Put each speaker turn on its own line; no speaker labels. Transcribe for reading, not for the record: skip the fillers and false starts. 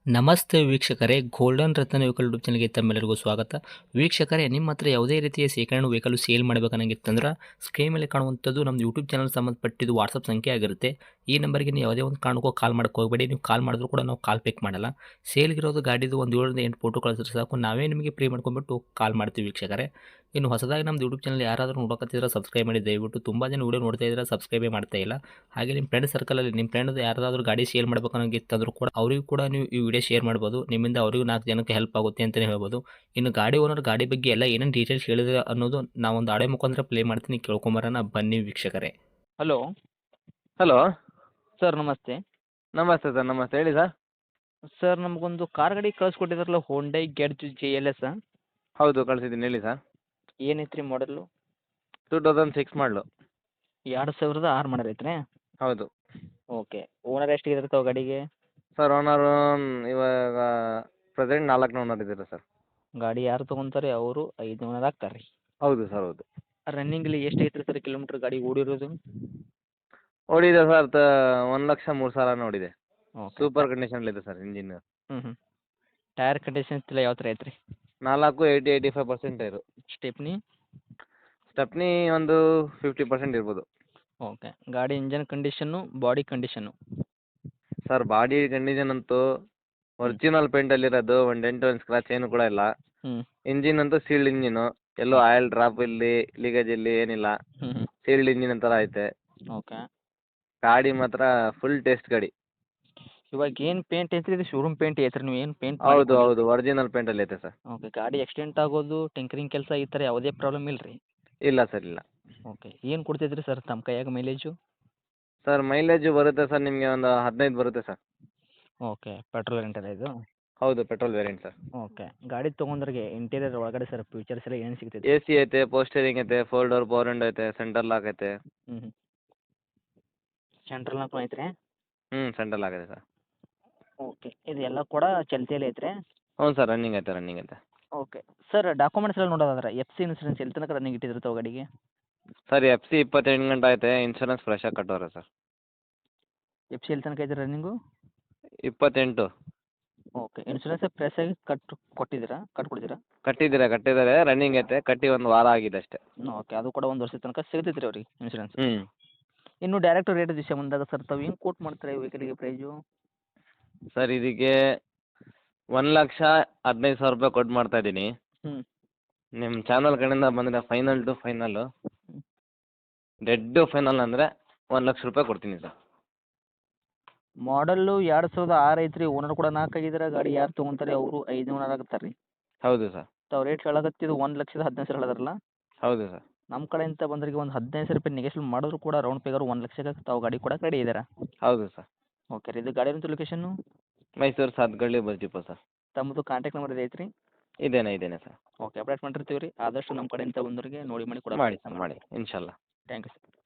ನಮಸ್ತೆ ವೀಕ್ಷಕರೇ, ಗೋಲ್ಡನ್ ರತ್ನ vehicle YouTube ಚಾನಲ್ಗೆ ತಮ್ಮೆಲ್ಲರಿಗೂ ಸ್ವಾಗತ. ವೀಕ್ಷಕರೇ, ನಿಮ್ಮ ಹತ್ರ ಯಾವುದೇ ರೀತಿಯ ಶೇಖರಣೆ ವೆಹಿಕಲ್ ಸೇಲ್ ಮಾಡಬೇಕನ್ನಂಗಿತ್ತಂದ್ರೆ ಸ್ಕ್ರೀನ್ ಮೇಲೆ ಕಾಣುವಂಥದ್ದು ನಮ್ಮ ಯೂಟ್ಯೂಬ್ ಚಾನಲ್ ಸಂಬಂಧಪಟ್ಟಿದ್ದು ವಾಟ್ಸಪ್ ಸಂಖ್ಯೆ ಆಗಿರುತ್ತೆ. ಈ ನಂಬರ್ಗೆ ನೀವು ಯಾವುದೇ ಒಂದು ಕಾರಣಕ್ಕೂ ಕಾಲ್ ಮಾಡೋಕೆ ಹೋಗಬೇಡಿ. ನೀವು ಕಾಲ್ ಮಾಡಿದ್ರು ಕೂಡ ನಾವು ಕಾಲ್ ಪಿಕ್ ಮಾಡಲ್ಲ. ಸೇಲ್ಗಿರೋದು ಗಾಡಿದು ಒಂದು 7ರಿಂದ 8 ಫೋಟೋ ಕಳಿಸಿದ್ರೆ ಸಾಕು, ನಾವೇ ನಿಮಗೆ ಪ್ರೀ ಮಾಡ್ಕೊಂಡ್ಬಿಟ್ಟು ಕಾಲ್ ಮಾಡ್ತೀವಿ ವೀಕ್ಷಕರೇ. ಇನ್ನು ಹೊಸದಾಗಿ ನಮ್ಮದು ಯೂಟ್ಯೂಬ್ ಚಾನಲ್ ಯಾರಾದರೂ ನೋಡೋಕತ್ತಿದ್ರೆ ಸಬ್ಸ್ಕ್ರೈಬ್ ಮಾಡಿ ದಯವಿಟ್ಟು. ತುಂಬ ಜನ ವೀಡಿಯೋ ನೋಡ್ತಾ ಇದ್ದಾರೆ, ಸಬ್ಸ್ಕ್ರೈಬೇ ಮಾಡ್ತಾ ಇಲ್ಲ. ಹಾಗೆ ನಿಮ್ಮ ಫ್ರೆಂಡ್ ಸರ್ಕಲಲ್ಲಿ ನಿಮ್ಮ ಫ್ರೆಂಡ್ ಯಾರಾದರೂ ಗಾಡಿ ಸೇಲ್ ಮಾಡಬೇಕನ್ನೋಂಗಿತ್ತಂದ್ರೂ ಕೂಡ ಅವರಿಗೂ ಕೂಡ ನೀವು ಈ ವಿಡಿಯೋ ಶೇರ್ ಮಾಡ್ಬೋದು. ನಿಮ್ಮಿಂದ ಅವರಿಗೂ 4 ಜನಕ್ಕೆ ಹೆಲ್ಪ್ ಆಗುತ್ತೆ ಅಂತಲೇ ಹೇಳ್ಬೋದು. ಇನ್ನು ಗಾಡಿ ಓನರ್ ಗಾಡಿ ಬಗ್ಗೆ ಎಲ್ಲ ಏನೇನು ಡೀಟೇಲ್ಸ್ ಹೇಳಿದ್ರೆ ಅನ್ನೋದು ನಾವೊಂದು ಆಡಿಯೋ ಮುಖಾಂತರ ಪ್ಲೇ ಮಾಡ್ತೀನಿ, ಕೇಳ್ಕೊಂಬರೋಣ ಬನ್ನಿ ವೀಕ್ಷಕರೇ.
Hello
hello.
ಸರ್, ನಮಸ್ತೆ.
ನಮಸ್ತೆ ಸರ್, ನಮಸ್ತೆ. ಹೇಳಿ ಸರ್.
ಸರ್, ನಮಗೊಂದು ಕಾರ್ ಗಾಡಿ ಕಳಿಸ್ಕೊಟ್ಟಿದ್ರಲ್ಲ, ಹೋಂಡೈ ಗೆಟ್ಜ್ JLS.
ಹೌದು, ಕಳಿಸಿದ್ದೀನಿ. ಹೇಳಿ ಸರ್.
ಏನೈತ್ರಿ ಮಾಡಲು?
2006 ಮಾಡಲು.
2006 ಮಾಡಲ್ ಐತ್ರಿ?
ಹೌದು
ಓಕೆ. ಓನರ್ ಎಷ್ಟಿದ್ರೆ ತಾವು ಗಾಡಿಗೆ?
ಸರ್. ಓನರು ಇವಾಗ ಪ್ರೆಸೆಂಟ್ 4 ಓನರ್ ಇದ್ದೀರಾ ಸರ್.
ಗಾಡಿ ಯಾರು ತೊಗೊಂತಾರೆ ಅವರು 5 ಓನರ್ ಆಗ್ತಾರೆ ರೀ.
ಹೌದು ಸರ್, ಹೌದು.
ರನ್ನಿಂಗಲ್ಲಿ ಎಷ್ಟು ಐತ್ರಿ ಸರ್ ಕಿಲೋಮೀಟ್ರ್ ಗಾಡಿ ಓಡಿರೋದು?
ಓಡಿದೆ ಸರ್, 1,03,000 ನೋಡಿದೆ.
ಓಕೆ.
ಸೂಪರ್ ಕಂಡೀಷನಲ್ಲಿದೆ ಸರ್ ಇಂಜಿನ್.
ಹ್ಞೂ. ಟೈರ್ ಕಂಡೀಷನ್ ಎಲ್ಲ ಯಾವ ಥರ ಐತ್ರಿ?
80-85% ಟೈರು.
ಸ್ಟೆಪ್ನಿ?
ಸ್ಟೆಪ್ನಿ ಒಂದು 50% ಇರ್ಬೋದು.
ಓಕೆ. ಗಾಡಿ engine condition, body condition?
Sir, body condition ಅಂತೂ ಒರಿಜಿನಲ್ ಪೇಂಟಲ್ಲಿರೋದು. ಒಂದು ಡೆಂಟು ಒಂದು ಸ್ಕ್ರಾಚ್ ಏನು ಕೂಡ ಇಲ್ಲ.
ಹ್ಞೂ.
ಇಂಜಿನ್ ಅಂತೂ ಸೀಲ್ಡ್ ಇಂಜಿನು. ಎಲ್ಲೂ ಆಯಿಲ್ ಡ್ರಾಪ್ ಇಲ್ಲಿ, ಲೀಕೇಜ್ ಇಲ್ಲಿ ಏನಿಲ್ಲ.
ಹ್ಞೂ.
ಸೀಲ್ಡ್ ಇಂಜಿನ್ ಥರ ಐತೆ.
ಓಕೆ.
ಗಾಡಿ ಮಾತ್ರ ಫುಲ್ ಟೇಸ್ಟ್ ಗಾಡಿ.
ಇವಾಗ ಏನು ಪೇಂಟ್ ಐತ್ರಿ? ಇದು ಶೋರೂಮ್ ಪೇಂಟ್ ಐತ್ರಿ, ನೀವು ಏನು ಪೇಂಟ್
ಹೌದು ಹೌದು, ಒರಿಜಿನಲ್ ಪೇಂಟಲ್ಲಿ ಐತೆ ಸರ್.
ಓಕೆ. ಗಾಡಿ ಆಕ್ಸಿಡೆಂಟ್ ಆಗೋದು, ಟಿಂಕರಿಂಗ್ ಕೆಲಸ ಈ ಥರ ಯಾವುದೇ ಪ್ರಾಬ್ಲಮ್ ಇಲ್ಲ ರೀ?
ಇಲ್ಲ ಸರ್, ಇಲ್ಲ.
ಓಕೆ. ಏನು ಕೊಡ್ತೈತ್ರಿ ಸರ್ ತಮ್ಮ ಕೈಯಾಗ ಮೈಲೇಜು?
ಸರ್, ಮೈಲೇಜು ಬರುತ್ತೆ ಸರ್, ನಿಮಗೆ ಒಂದು 15 ಬರುತ್ತೆ ಸರ್.
ಓಕೆ. ಪೆಟ್ರೋಲ್ ವೇರಿಯಂಟ್ ಇದು?
ಹೌದು, ಪೆಟ್ರೋಲ್ ವೇರಿಯಂಟ್ ಸರ್.
ಓಕೆ. ಗಾಡಿ ತೊಗೊಂಡ್ರಿಗೆ ಇಂಟೀರಿಯರ್ ಒಳಗಡೆ ಸರ್ ಫೀಚರ್ಸ್ ಎಲ್ಲ ಏನು ಸಿಗ್ತೈತಿ?
AC ಐತೆ, ಪೋಸ್ಟರಿಂಗ್ ಐತೆ, 4 ಡೋರ್ ಪವರ್ ವಿಂಡೋ ಐತೆ, ಸೆಂಟರ್ ಲಾಕ್ ಐತೆ.
ಹ್ಞೂ. ಸೆಂಟ್ರಲ್ ಲಾಕ್ ಐತ್ರಿ?
ಸೆಂಟರ್ ಲಾಕ್ ಐತೆ ಸರ್.
ಓಕೆ. ಇದೆಲ್ಲ ಕೂಡ ಚಲ್ತಿಯಲ್ಲಿ ಐತ್ರಿ?
ಹ್ಞೂ ಸರ್, ರನ್ನಿಂಗ್ ಐತೆ, ರನ್ನಿಂಗ್ ಐತೆ.
ಓಕೆ. ಸರ್, ಡಾಕ್ಯುಮೆಂಟ್ಸ್ ಎಲ್ಲ ನೋಡೋದಾದ್ರೆ FC ಇನ್ಸೂರೆನ್ಸ್ ಎಲ್ಲಿ ತನಕ ರನ್ನಿಂಗ್ ಇಟ್ಟಿದ್ರು ತಾವು ಗಾಡಿಗೆ?
ಸರ್, FC 28 ಗಂಟೆ ಐತೆ. ಇನ್ಶೂರೆನ್ಸ್ ಫ್ರೆಶ್ ಆಗಿ ಕಟ್ಟೋರೆ ಸರ್.
FC ಎಲ್ಲಿ ತನಕ ಐತೆ ರನ್ನಿಂಗು?
28.
ಓಕೆ. ಇನ್ಸೂರೆನ್ಸ್ ಫ್ರೆಶ್ ಆಗಿ ಕೊಟ್ಟಿದ್ದೀರಾ?
ಕಟ್ಟಿದ್ದಾರೆ, ರನ್ನಿಂಗ್ ಐತೆ. ಕಟ್ಟಿ ಒಂದು ವಾರ ಆಗಿದೆ ಅಷ್ಟೇ.
ಓಕೆ. ಅದು ಕೂಡ 1 ವರ್ಷದ ತನಕ ಸಿಗ್ತೈತೆ ರೀ ಅವ್ರಿಗೆ ಇನ್ಸೂರೆನ್ಸ್?
ಹ್ಞೂ.
ಇನ್ನು ಡೈರೆಕ್ಟ್ ರೇಟ್ ವಿಷಯ ಬಂದಾಗ ಸರ್, ತಾವು ಹೆಂಗೆ ಕೋಟ್ ಮಾಡ್ತಾರೆ ವೆಹಿಕಲಿಗೆ ಪ್ರೈಸು?
ಸರ್, ಇದಕ್ಕೆ 1,15,000 ರೂಪಾಯಿ ಕೊಟ್ಟು ಮಾಡ್ತಾ ಇದ್ದೀನಿ.
ಹ್ಞೂ.
ನಿಮ್ಮ ಚಾನಲ್ ಕಡೆಯಿಂದ ಬಂದರೆ final to final, dead final ಅಂದರೆ 1,00,000 ರೂಪಾಯಿ ಕೊಡ್ತೀನಿ ಸರ್.
ಮಾಡಲ್ಲು 2006 ಐತ್ರಿ. ಓನರ್ ಕೂಡ 4 ಆಗಿದ್ದಾರೆ. ಗಾಡಿ ಯಾರು ತೊಗೊಂತಾರೆ ಅವರು 5 ಓನರ್ ಆಗ್ತಾರೆ ರೀ.
ಹೌದು ಸರ್.
ತಾವು ರೇಟ್ ಹೇಳಕತ್ತಿದ್ದು 1,15,000 ಹೇಳಿದ್ರಲ್ಲ?
ಹೌದು ಸರ್.
ನಮ್ಮ ಕಡೆಯಿಂದ ಬಂದವರಿಗೆ ಒಂದು 15,000 ರೂಪಾಯಿ ನೆಗೆಶ್ಯಬಲ್ ಮಾಡಿದ್ರು ಕೂಡ ರೌಂಡ್ ಫಿಗರ್ 1,00,000ಕ್ಕೆ ತಾವು ಗಾಡಿ ಕೊಡಕ್ಕೆ ರೆಡಿ ಇದ್ದೀರಾ?
ಹೌದು ಸರ್.
ಓಕೆ ರೀ. ಇದು ಗಾಡಿ ಇರೋಂಥ location?
Mysuru Satgalli bus depot sir.
ತಮ್ಮದು ಕಾಂಟ್ಯಾಕ್ಟ್ ನಂಬರ್ ಐತ್ರಿ?
ಇದೇನೆ ಸರ್.
ಓಕೆ. ಅಪ್ಡೇಟ್ ಮಾಡಿರ್ತೀವಿ ರೀ. ಆದಷ್ಟು ನಮ್ಮ ಕಡೆಯಿಂದ ಬಂದವರಿಗೆ ನೋಡಿ ಮಾಡಿ
ಮಾಡಿ ಸರ್, ಮಾಡಿ ಇನ್ಶಾಲ್ಲ.
Thank you sir.